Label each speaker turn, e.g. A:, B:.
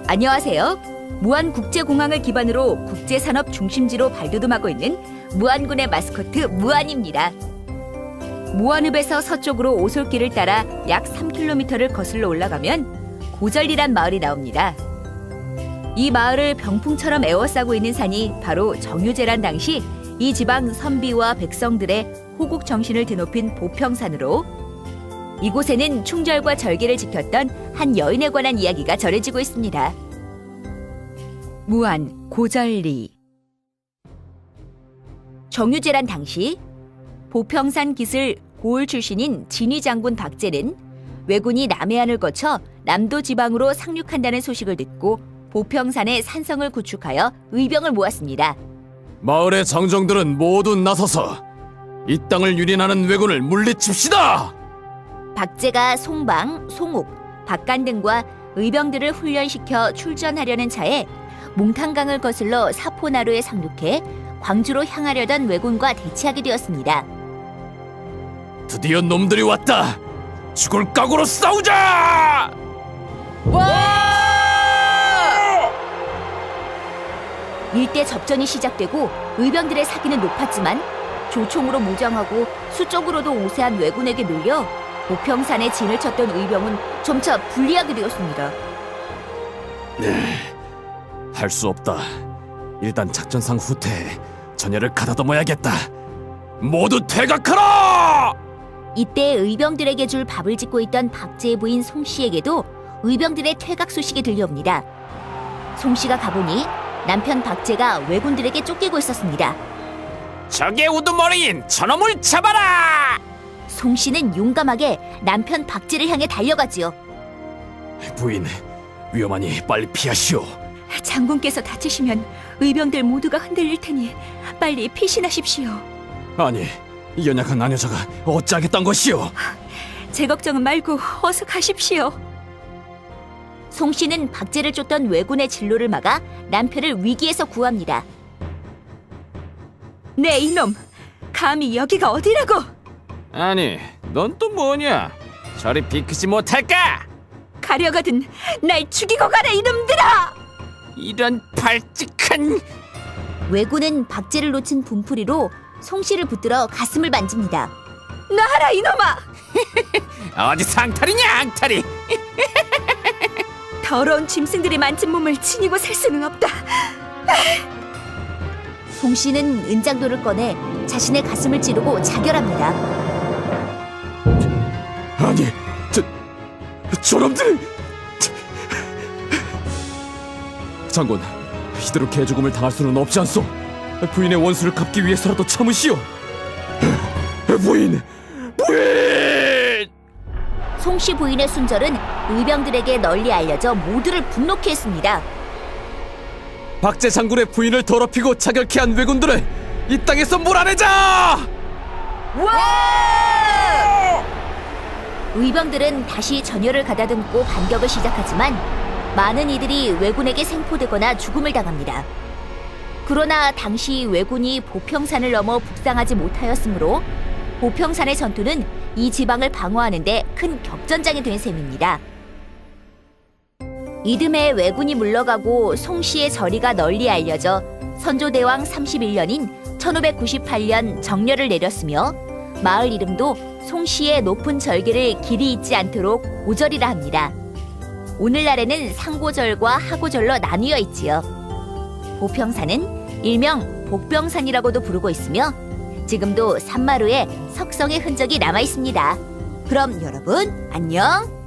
A: 안녕하세요. 무안국제공항을 기반으로 국제산업 중심지로 발돋움하고 있는 무안군의 마스코트 무안입니다. 무안읍에서 서쪽으로 오솔길을 따라 약 3km를 거슬러 올라가면 고절리란 마을이 나옵니다. 이 마을을 병풍처럼 에워싸고 있는 산이 바로 정유재란 당시 이 지방 선비와 백성들의 호국 정신을 드높인 보평산으로 이곳에는 충절과 절개를 지켰던 한 여인에 관한 이야기가 전해지고 있습니다. 무안 고절리. 정유재란 당시 보평산 기슬 고을 출신인 진위 장군 박제는 왜군이 남해안을 거쳐 남도 지방으로 상륙한다는 소식을 듣고 보평산에 산성을 구축하여 의병을 모았습니다.
B: 마을의 장정들은 모두 나서서 이 땅을 유린하는 왜군을 물리칩시다!
A: 박제가 송방, 송옥, 박간 등과 의병들을 훈련시켜 출전하려는 차에 몽탄강을 거슬러 사포나루에 상륙해 광주로 향하려던 왜군과 대치하게 되었습니다.
B: 드디어 놈들이 왔다! 죽을 각오로 싸우자!
A: 일대 접전이 시작되고 의병들의 사기는 높았지만 조총으로 무장하고 수적으로도 우세한 왜군에게 밀려 보평산에 진을 쳤던 의병은 점차 불리하게 되었습니다.
B: 할 수 없다. 일단 작전상 후퇴해 전열을 가다듬어야겠다. 모두 퇴각하라!
A: 이때 의병들에게 줄 밥을 짓고 있던 박제의 부인 송씨에게도 의병들의 퇴각 소식이 들려옵니다. 송씨가 가보니 남편 박제가 왜군들에게 쫓기고 있었습니다.
B: 적의 우두머리인 저놈을 잡아라!
A: 송씨는 용감하게 남편 박제를 향해 달려가지요.
B: 부인, 위험하니 빨리 피하시오.
A: 장군께서 다치시면 의병들 모두가 흔들릴 테니 빨리 피신하십시오.
B: 아니, 이 연약한 아녀자가 어찌하겠단 것이오?
A: 제 걱정은 말고 어서 가십시오. 송씨는 박제를 쫓던 왜군의 진로를 막아 남편을 위기에서 구합니다. 네, 이놈! 감히 여기가 어디라고!
B: 아니, 넌 또 뭐냐? 저리 비키지 못할까?
A: 가려거든 날 죽이고 가라, 이놈들아!
B: 이런 발칙한...
A: 왜군은 박제를 놓친 분풀이로 송씨를 붙들어 가슴을 만집니다. 놔라, 이놈아!
B: 어디 상탈이냐, 앙탈이!
A: 더러운 짐승들이 만진 몸을 지니고 살 수는 없다. 송씨는 은장도를 꺼내 자신의 가슴을 찌르고 자결합니다.
B: 아니, 저놈들! 장군, 이대로 개죽음을 당할 수는 없지 않소. 부인의 원수를 갚기 위해서라도 참으시오. 부인!
A: 송씨 부인의 순절은 의병들에게 널리 알려져 모두를 분노케 했습니다.
B: 박제 장군의 부인을 더럽히고 자결케 한 왜군들을 이 땅에서 몰아내자!
A: 의병들은 다시 전열을 가다듬고 반격을 시작하지만 많은 이들이 왜군에게 생포되거나 죽음을 당합니다. 그러나 당시 왜군이 보평산을 넘어 북상하지 못하였으므로 보평산의 전투는 이 지방을 방어하는 데 큰 격전장이 된 셈입니다. 이듬해 왜군이 물러가고 송씨의 저리가 널리 알려져 선조대왕 31년인 1598년 정렬을 내렸으며 마을 이름도 송씨의 높은 절개를 길이 잊지 않도록 고절이라 합니다. 오늘날에는 상고절과 하고절로 나뉘어 있지요. 보평산은 일명 복병산이라고도 부르고 있으며 지금도 산마루에 석성의 흔적이 남아 있습니다. 그럼 여러분 안녕!